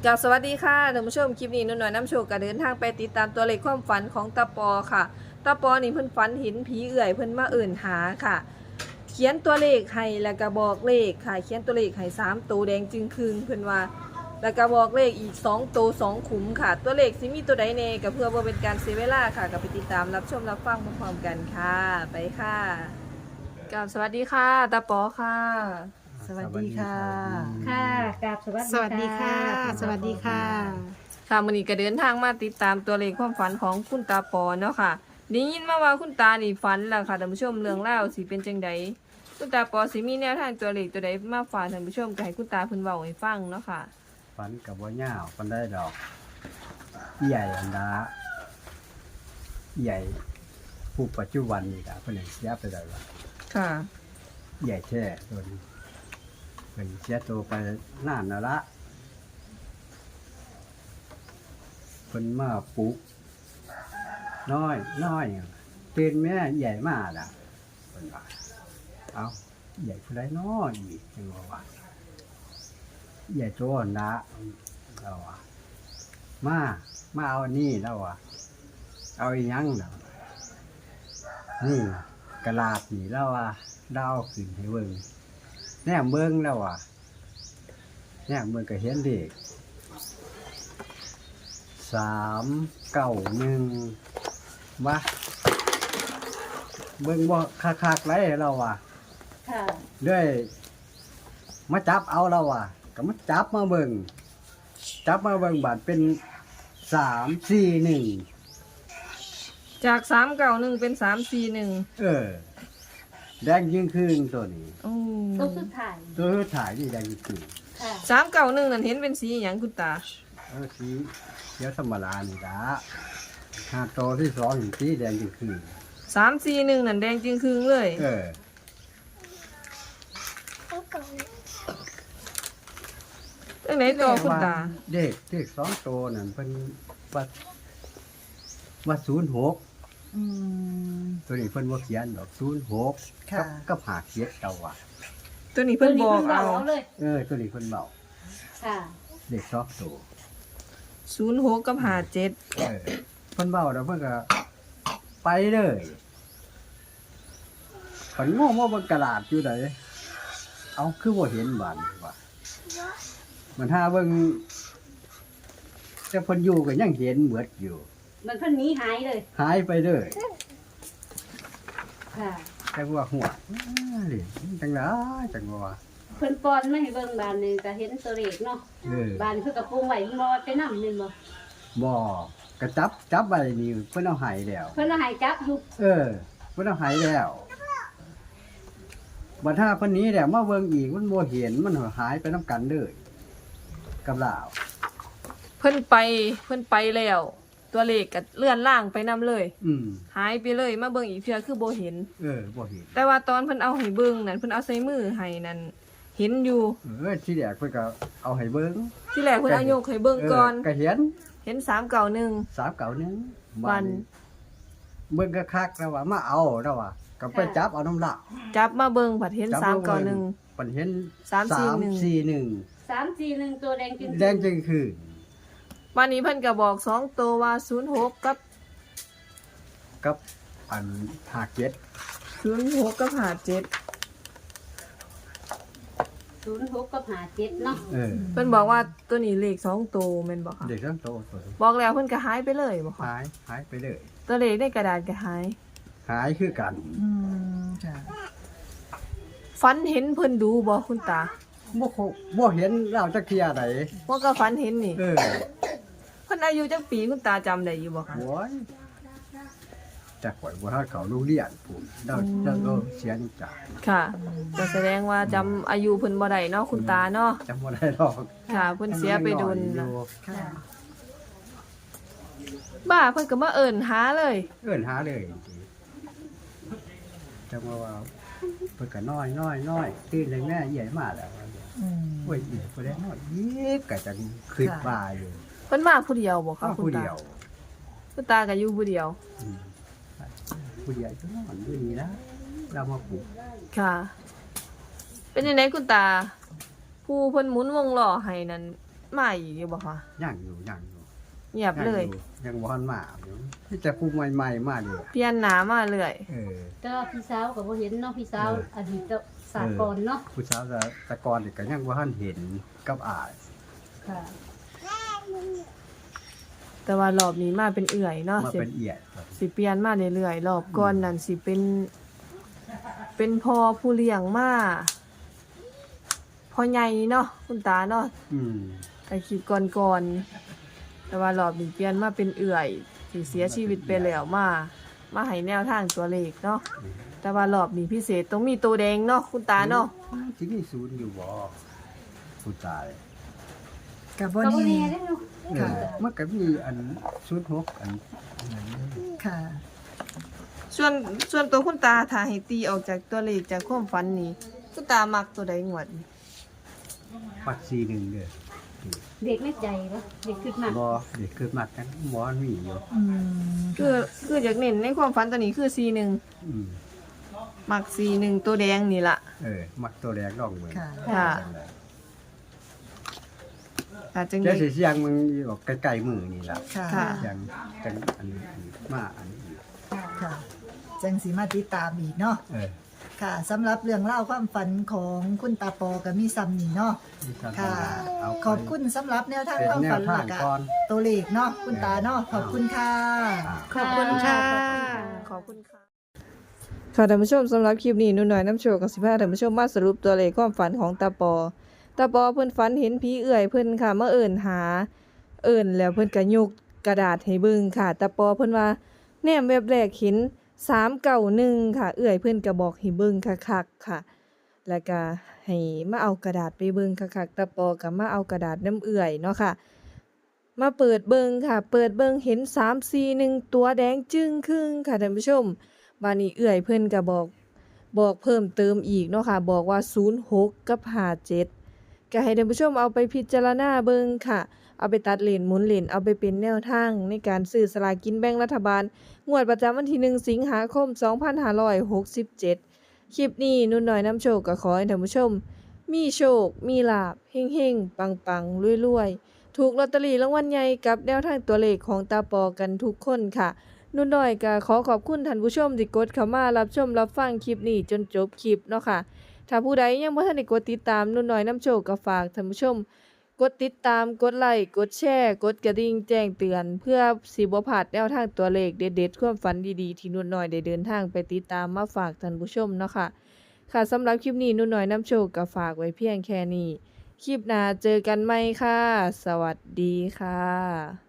กับสวัสดีค่ะท่านผู้ชมคลิปนี้นุ่นหน่อยน้ำโชคก็เดินทางไปติดตามตัวเลขความฝันของตาปอค่ะตาปอนี่เพิ่นฝันเห็นผีเอื่อยเพิ่นมาเอิ่นหาค่ะ เขียนตัวเลขให้แล้วก็บอกเลขค่ะเขียนตัวเลขให้3ตัวแดงจึงครึงเพิ่นว่าแล้วก็บอกเลขอีก2ตัว2ขุมค่ะ ตัวเลขสิมีตัวใดแน่ก็เพื่อบ่เป็นการเสียเวลาค่ะก็ไปติดตามรับชมรับฟังพร้อมๆกันค่ะไปค่ะกับสวัสดีค่ะตาปอค่ะสวัสดีค่ะค่ะกราบสวัสดีค่ะ สวัสดีค่ะค่ะมื้อนี้ก็เดินทางมาติดตามตัวเลขความฝันของคุณตาปอเนาะค่ะได้ยินมาว่าคุณตานี่ฝันแล้วค่ะท่านผู้ชมเรื่องเล่าวสิเป็นจังใดคุณตาปอสิมีแนวทางตัวเลขตัวใดมาฝากท่านผู้ชมก็ให้คุณตาเพิ่นเว้าให้ฟังเนาะค่ะฝันกับว่าย่าวฝันได้ดอกใหญ่อันดาใหญ่ผู้ปัจจุบันนี่ละเพิ่นให้เสียไปได้ว่าค่ะใหญ่แท้ตัวนี้เพิ่นเสียตัวไปนานแล้วละเพิ่นมาปลุกน้อยตื่นแม่ใหญ่มาล่ะเพิ่นว่าเอาใหญ่ผู้ใดน้อยอีกจังว่าใหญ่โตนะเราอะมาเอาอันนี้แล้วอะเอาอีหยังแล้วนี่กระลาดนี่แล้วอะดาวขึ้นให้เบิ่งแนมเบิ่งแล้วอะแนมเบิ่งก็เห็นเด็ก391ว่าเบิ่งบ่คักๆไรเราอะค่ะด้วยมาจับเอาเราอ่ะก็มาจับมาเบิ่งบาดเป็น341 จาก391เป็น341 แดงยิ่งขึ้นตัวนี้โอ้ตัวสุดท้ายตัวถ่ายนี่แดงยิ่งขึ้นค่ะ 391นั่นเห็นเป็นสีหยังคุณตาสีเขียวธรรมดานี่ละหาตัวที่สองเห็นสีแดงยิ่งขึ้น 341นั่นแดงจึงครึงเลยจังไหนต่อคุณตาเด็ก2ตัวนั่นเพิ่นว่า06ตัวนี้เพิ่นบ่เขียนดอก06กับ57เอาว่ะตัวนี้เพิ่นบอกเอาเลยตัวนี้เพิ่นเบาค่ะเด็ก2ตัว 06กับ57 เพิ่นเบาแล้วเพิ่นก็ไปเลยเพิ่นงงว่าบนกระดาษอยู่ไหนเอาคือบ่เห็นบานว่ามันหาเบิ่งแต่เพิ่นอยู่ก็ยังเห็นเบิดอยู่มันเพิ่นหนีหายเลยหายไปเลยค่ะแต่ว่าหัวนี่จังได๋จังว่าเพิ่นป้อนมาให้เบิ่งบานหนึงก็เห็นตัวเลขเนาะเออบานเพิ่นก็ปรุงไว้บ่ไปนำนึงบ่บ่ก็จับไว้นี่เพิ่นเอาให้แล้วเพิ่นเอาให้จับอยู่เพิ่นเอาให้แล้วบัดถ้าเพิ่นหนี้แล้วมาเบิ่งอีกมันบ่เห็นมันหายไปนํกันเลยกับลาวเพิ่นไปแล้ว ตัวเลขก็เลื่อนล่างไปนํเลย หายไปเลยมาเบิ่งอีกเทื่อคือบ่เห็นบ่เห็นแต่ว่าตอนเพิ่นเอาให้เบิ่งนั่นเพิ่นเอาใส่มือให้นั่นเห็นอยู่ที่แรกเพิ่นก็เอาให้เบิ่งที่แรกเพิ่นเอายกให้เบิ่งก่อนก็เห็นเห็น391 391 วันเบิ่งก็คักแล้วว่ามาเอาแล้วว่าก็ไปจับเอาน้ำละจับมาเบิ่งผัดเห็นจับมาเบิ่ง 391 เพิ่นเห็น 341 341ตัวแดงจริงแดงจึงคือวันนี้เพิ่นก็บอก2ตัวว่า06กับกับอัน57 06กับ57 06กับ57เนาะเพิ่นบอกว่าตัวนี้เลข2ตัวแม่นบ่คะเด็กทั้งโตตัวบอกแล้วเพิ่นก็หายไปเลยบ่คะหายไปเลยตัวเลขในกระดาษก็หายหายคือกันฝันเห็นเพิ่นดูบ่คุณตาบ่เห็นเราจักเที่ยใดว่าก็ฝันเห็นนี่เพิ่เพิ่นอายุจักปีคุณตาจำได้อยู่บ่คะโอ้ยจักข่อยบ่ทันเข้าโรงเรียนพุ่นเราก็เสียนี่จ้ะค่ะก็แสดงว่าจำอายุเพิ่นบ่ได้เนาะคุณตาเนาะจำบ่ได้ดอกค่ะเพิ่นเสียไปโดนอนะยู่บ้าเพิ่นก็มาเอิ้นหาเลยเอิ้นหาเลยจังว่าเพิ่นก็น้อยตื่นเลยแม่ใหญ่มาแล้วโอ้ยอีกบ่ได้น้อยอีกก็จังคิดว่าอยู่เพิ่นมาผู้เดียวบ่คะเขาคุณผู้ตาเดียวคุณตาก็อยู่ผู้เดียวอืมผู้เดียวจะนอนอยู่นี่นะเรามาปลูกค่ะ เป็นยังไงคุณตา ผู้เพิ่นหมุนวงล้อให้นั่นใหม่อยู่บ่คะย่างอยู่เงียบเลยยังบ่ทันมาอยู่ที่แต่ผู้ใหม่ๆมาเลยเปลี่ยนหน้ามาเรื่อยแต่ว่าพี่สาวก็บ่เห็นเนาะพี่สาวอดีตสากลเนาะผู้สาวตะกอนนี่ก็ยังบ่ทันเห็นกับอายค่ะแต่ว่ารอบนี้มาเป็นเอื่อยเนาะมาเป็นเอียดครับสิเปลี่ยนมาเรื่อยๆรอบก่อนนั่นสิเป็นพ่อผู้เลี้ยงมาพ่อใหญ่เนาะคุณตาเนาะอืมแต่คลิปก่อนๆแต่ว่ารอบนี้เปลี่ยนมาเป็นเอื่อยที่เสียชีวิตไปแล้วมาให้แนวทางตัวเลขเนาะแต่ว่ารอบนี้พิเศษต้องมีตัวแดงเนาะคุณตาเนาะสิมีศูนย์อยู่บ่ผู้ตายกับก็บ่บ่นี่แน่เด้อเนาะค่ะมันก็มีอัน06อันนั้นค่ะส่วนตัวคุณตาถ้าให้ตีออกจากตัวเลขจากความฝันนี้คุณตามักตัวใดงวดนี้ปัด41เด้อเด็กในใจบ่เด็กคิดมากบ่เด็กเกิดมากันบ่มีอยู่อืมคืออยากเน้นในความฝันตัวนี้คือ41 อืมมัก41ตัวแดงนี่ล่ะมักตัวแรกลองเบิ่งค่ะค่ะ อาจจังแต่ได้สิเสียงมึงออกใกล้ๆมือนี่ล่ะค่ะค่ะเสียงจังอันนี้อีกมาอันนี้อีกค่ะ จังสีมาติดตามอีกเนาะ ค่ะสำหรับเรื่องเล่าวความฝันของคุณตาปอกับมีซัมนี่เนาะมีการค่ะเอาไปขอบคุณสำหรับแนวทางเป็นความแนฝัวน ทางและก่อนตัวเลขเนาะคุณตาเนาะ ขอบคุณค่ะขอบคุณค่ะ ขอบคุณค่ะ ค่ะท่านผู้ชมสำหรับคลิปนี้หนุ่นหน่อยน้ำโชว์กับ15ท่านผู้ชมมาสรุปตัวเลขความฝันของตาปอเพิ่นฝันเห็นผีเอื่อยเพิ่นค่ะมาเอิ้นหาแล้วเพิ่นก็ยกกระดาษให้เบิ่งค่ะตาปอเพิ่นว่าแนมแวบแรกเห็น391ค่ะเอื่อยเพิ่นก็บอกให้เบิ่งคักๆค่ะ แล้วก็ให้มาเอากระดาษไปเบิ่งคักๆตาปอก็มาเอากระดาษน้ำเอื่อยเนาะค่ะ มาเปิดเบิ่งค่ะ เปิดเบิ่งเห็น341ตัวแดงจึ้งครึ่งค่ะท่านผู้ชมบัดนี้เอื่อยเพิ่นก็บอกเพิ่มเติมอีกเนาะค่ะบอกว่า06กับ57ก็ให้ท่านผู้ชมเอาไปพิจารณาเบิ่งค่ะ เอาไปตัดเลนหมุนเลนเอาไปเป็นแนวทางในการซื้อสลากกินแบ่งรัฐบาลงวดประจำวันที่1สิงหาคม2567คลิปนี้นุ่นน้อยน้ำโชคก็ขอให้ท่านผู้ชม มีโชค มีลาภเฮงๆ ปังๆรวยๆ ถูกลอตเตอรี่รางวัลใหญ่กับแนวทางตัวเลขของตาปอกันทุกคนค่ะ นุ่นน้อยก็ขอขอบคุณท่านผู้ชมที่กดเข้ามารับชมรับฟังคลิปนี้จนจบคลิปเนาะค่ะ ถ้าผู้ใดยังบ่ทันได้กดติดตามนุ่นน้อยน้ำโชคก็ฝากท่านผู้ชม กดติดตามกดไลค์กดแชร์กดกระดิ่งแจ้งเตือน เพื่อสิบ่พลาดแนวทางตัวเลขเด็ดๆความฝันดีๆที่นุ่นน้อยได้เดินทางไปติดตามมาฝากท่านผู้ชมเนาะค่ะ ค่ะสำหรับคลิปนี้นุ่นน้อยน้ำโชคก็ฝากไว้เพียงแค่นี้ คลิปหน้าเจอกันใหม่ค่ะ สวัสดีค่ะ